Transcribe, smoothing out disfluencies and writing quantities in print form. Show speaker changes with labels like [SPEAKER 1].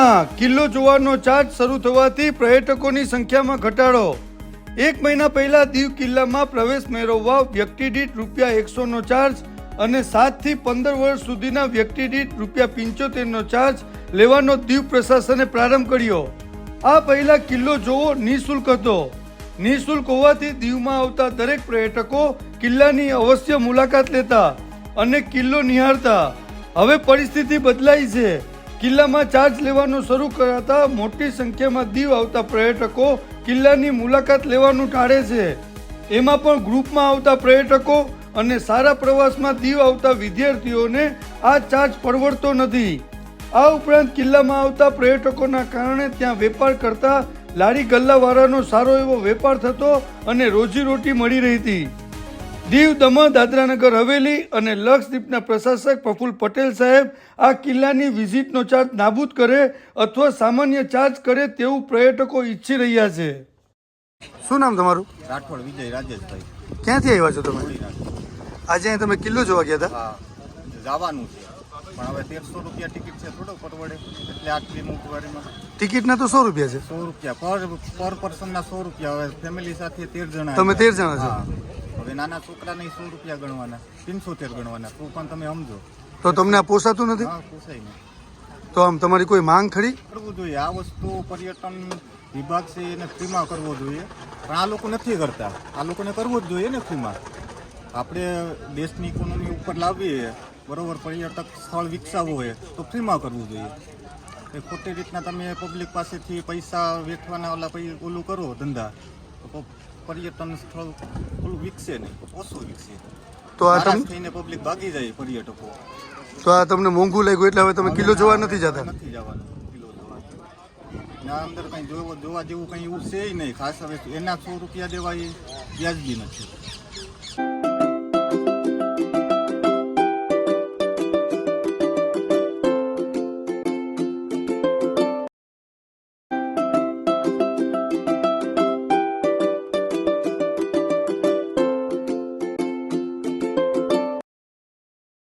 [SPEAKER 1] દીવમાં કિલ્લો જોવાનો ચાર્જ શરૂ થવાથી પર્યટકોની સંખ્યામાં ઘટાડો। 1 મહિના પહેલા દીવ કિલ્લામાં પ્રવેશ મેળવવા વ્યક્તિ દીઠ ₹100નો ચાર્જ અને 7 થી 15 વર્ષ સુધીના વ્યક્તિ દીઠ ₹75નો ચાર્જ લેવાનો દીવ પ્રશાસને પ્રારંભ કર્યો। આ પહેલા કિલ્લો જોવો નિઃશુલ્ક હતો। નિઃશુલ્ક હોવાથી દીવમાં આવતા દરેક પ્રયાટકો કિલ્લાની અવશ્ય મુલાકાત લેતા અને કિલ્લો નિહાળતા। હવે પરિસ્થિતિ બદલાઈ છે। કિલ્લામાં ચાર્જ લેવાનું શરૂ કરાતા મોટી સંખ્યામાં દીવ આવતા પર્યટકો કિલ્લાની મુલાકાત લેવાનું ટાળે છે। એમાં પણ ગ્રુપમાં આવતા પર્યટકો અને સારા પ્રવાસમાં દીવ આવતા વિદ્યાર્થીઓને આ ચાર્જ પરવડતો નથી। આ ઉપરાંત કિલ્લામાં આવતા પર્યટકોના કારણે ત્યાં વેપાર કરતા લારી ગલ્લાવાળાનો સારો એવો વેપાર થતો અને રોજીરોટી મળી રહી હતી। દીવ, દમણ, દાદરાનગર હવેલી અને લક્ષદ્વીપના પ્રશાસક પ્રફુલ્લ પટેલ સાહેબ આ કિલ્લાની વિઝિટનો ચાર્જ નાબૂદ કરે અથવા સામાન્ય ચાર્જ કરે તેવું પર્યટકો ઈચ્છી રહ્યા છે। શું નામ તમારું?
[SPEAKER 2] રાઠોડ વિજય રાજેશભાઈ।
[SPEAKER 1] ક્યાંથી આવ્યા છો તમે? આજે તમે કિલ્લો જોવા ગયા હતા?
[SPEAKER 2] હા, જવાનું છે પણ હવે ₹1300 ટિકિટ છે, થોડો પરવડે એટલે આટલી મોંઘવારીમાં।
[SPEAKER 1] ટિકિટના તો ₹100 છે।
[SPEAKER 2] ₹100 પર પર્સનના ₹100। હવે ફેમિલી સાથે 13 જણા।
[SPEAKER 1] તમે 13 જણા છો?
[SPEAKER 2] હવે નાના છોકરાને ₹100 ગણવાના, 370 ગણવાના, તો પણ તમે સમજો
[SPEAKER 1] તો તમને આ પોસાતું નથી?
[SPEAKER 2] હા, પોસાય નહીં।
[SPEAKER 1] તો આમ તમારી કોઈ માંગ ખરી?
[SPEAKER 2] કરવું જોઈએ આ વસ્તુ, પર્યટન વિભાગ છે એને ફ્રીમાં કરવો જોઈએ, પણ આ લોકો નથી કરતા। આ લોકોને કરવું જ જોઈએ ને ફ્રીમાં। આપણે દેશની ઇકોનોમી ઉપર લાવીએ બરોબર, પર્યટક સ્થળ વિકસાવવું હોય તો ફ્રીમાં કરવું જોઈએ। એ ખોટી રીતના તમે પબ્લિક પાસેથી પૈસા વેઠવાના ઓલું કરો ધંધા, તો પર્યટન સ્થળ ઓલું વિકસે નહીં, ઓછું વિકસે।
[SPEAKER 1] તો આ
[SPEAKER 2] થઈને પબ્લિક ભાગી જાય પર્યટકો।
[SPEAKER 1] તો આ તમને મોંઘું લાગ્યું એટલે હવે તમે કિલ્લો જોવા નથી જતા?
[SPEAKER 2] નથી જવાનું કિલ્લો જોવા। ના અંદર કંઈ જોવા જેવું કંઈ એવું છે નહીં ખાસ। હવે એના ₹100 દેવા એ વ્યાજબી નથી।